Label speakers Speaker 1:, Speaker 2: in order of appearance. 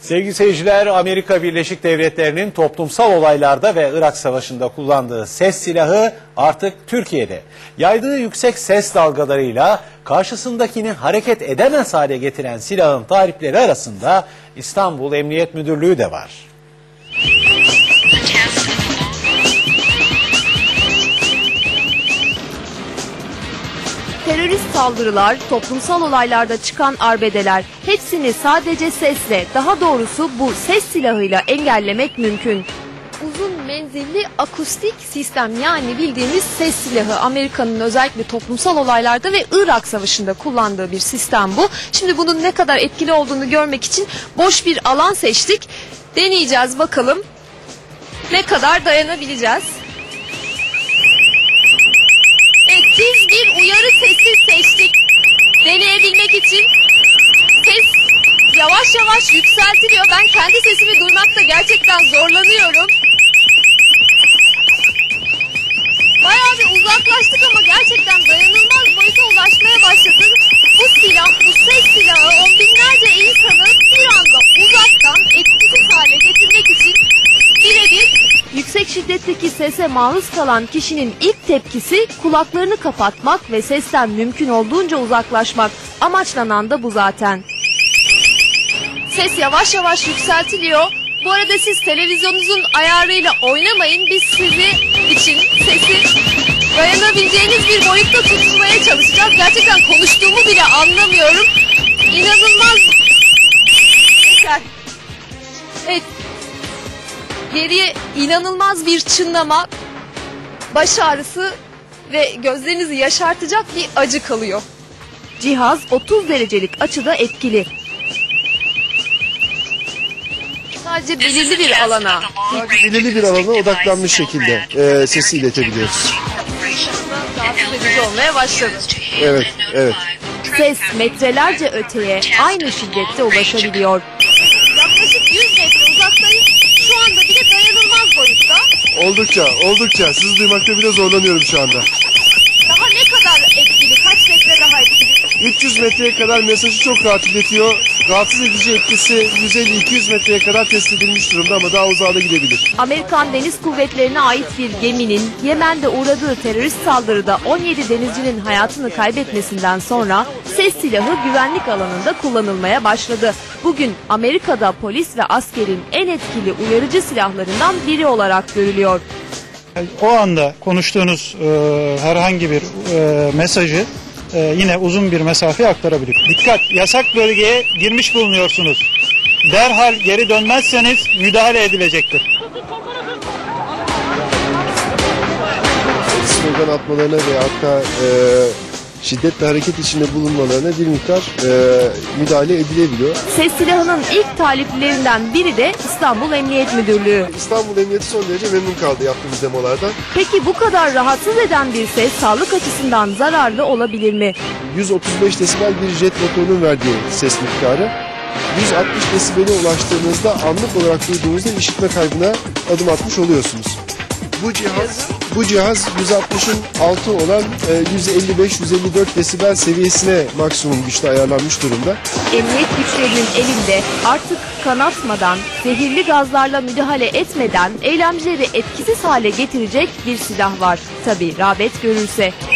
Speaker 1: Sevgili seyirciler, Amerika Birleşik Devletleri'nin toplumsal olaylarda ve Irak Savaşı'nda kullandığı ses silahı artık Türkiye'de. Yaydığı yüksek ses dalgalarıyla karşısındakini hareket edemez hale getiren silahın tarifleri arasında İstanbul Emniyet Müdürlüğü de var.
Speaker 2: Terörist saldırılar, toplumsal olaylarda çıkan arbedeler, hepsini sadece sesle, daha doğrusu bu ses silahıyla engellemek mümkün. Uzun menzilli akustik sistem, yani bildiğimiz ses silahı, Amerika'nın özellikle toplumsal olaylarda ve Irak Savaşı'nda kullandığı bir sistem bu. Şimdi bunun ne kadar etkili olduğunu görmek için boş bir alan seçtik. Deneyeceğiz bakalım ne kadar dayanabileceğiz. Tiz bir uyarı sesi seçtik. Deneyebilmek için ses yavaş yavaş yükseltiliyor. Ben kendi sesimi duymakta gerçekten zorlanıyorum. Bayağı bir uzaklaştık ama gerçekten dayanılmaz boyuta ulaşmaya başladık. Bu silah, bu ses silahı on binlerce insanı bir anda uzaktan etkisiz hale getirmek için birebir. Yüksek şiddetteki sese maruz kalan kişinin ilk tepkisi kulaklarını kapatmak ve sesten mümkün olduğunca uzaklaşmak. Amaçlanan da bu zaten. Ses yavaş yavaş yükseltiliyor. Bu arada siz televizyonunuzun ayarıyla oynamayın. Biz sizi için sesi dayanabileceğiniz bir boyutta tutmaya çalışacağız. Gerçekten konuştuğumu bile anlamıyorum. İnanılmaz. Evet. Geriye inanılmaz bir çınlama, baş ağrısı ve gözlerinizi yaşartacak bir acı kalıyor. Cihaz 30 derecelik açıda etkili. Sadece belirli bir alana
Speaker 3: odaklanmış şekilde sesi iletebiliyoruz.
Speaker 2: Rahatsız edici olmaya başladı.
Speaker 3: Evet, evet.
Speaker 2: Ses metrelerce öteye aynı şiddette ulaşabiliyor. Yaklaşık 100 metre uzaktayız. Şu anda bile dayanılmaz boyutta.
Speaker 3: Oldukça. Sizi duymakta bile zorlanıyorum şu anda.
Speaker 2: Daha ne kadar etkili? Kaç metre daha etkili?
Speaker 3: 300 metreye kadar mesajı çok rahat iletiyor. Rahatsız edici etkisi 150-200 metreye kadar test edilmiş durumda ama daha uzağa da gidebilir.
Speaker 2: Amerikan Deniz Kuvvetleri'ne ait bir geminin Yemen'de uğradığı terörist saldırıda 17 denizcinin hayatını kaybetmesinden sonra ses silahı güvenlik alanında kullanılmaya başladı. Bugün Amerika'da polis ve askerin en etkili uyarıcı silahlarından biri olarak görülüyor.
Speaker 4: O anda konuştuğunuz herhangi bir mesajı yine uzun bir mesafeye aktarabilir. Dikkat! Yasak bölgeye girmiş bulunuyorsunuz. Derhal geri dönmezseniz müdahale edilecektir.
Speaker 3: Slogan atmalarına ve hatta şiddetle hareket içinde bulunmalarına bir miktar müdahale edilebiliyor.
Speaker 2: Ses silahının ilk taliplerinden biri de İstanbul Emniyet Müdürlüğü.
Speaker 3: İstanbul Emniyeti son derece memnun kaldı yaptığımız demolardan.
Speaker 2: Peki bu kadar rahatsız eden bir ses sağlık açısından zararlı olabilir mi?
Speaker 3: 135 desibel bir jet motorunun verdiği ses miktarı. 160 desibele ulaştığınızda anlık olarak duyduğunuzda işitme kaybına adım atmış oluyorsunuz. Bu cihaz 160'ın altı olan 155-154 desibel seviyesine maksimum güçte ayarlanmış durumda.
Speaker 2: Emniyet güçlerinin elinde artık kanatmadan, zehirli gazlarla müdahale etmeden eylemcileri etkisiz hale getirecek bir silah var. Tabii rağbet görürse.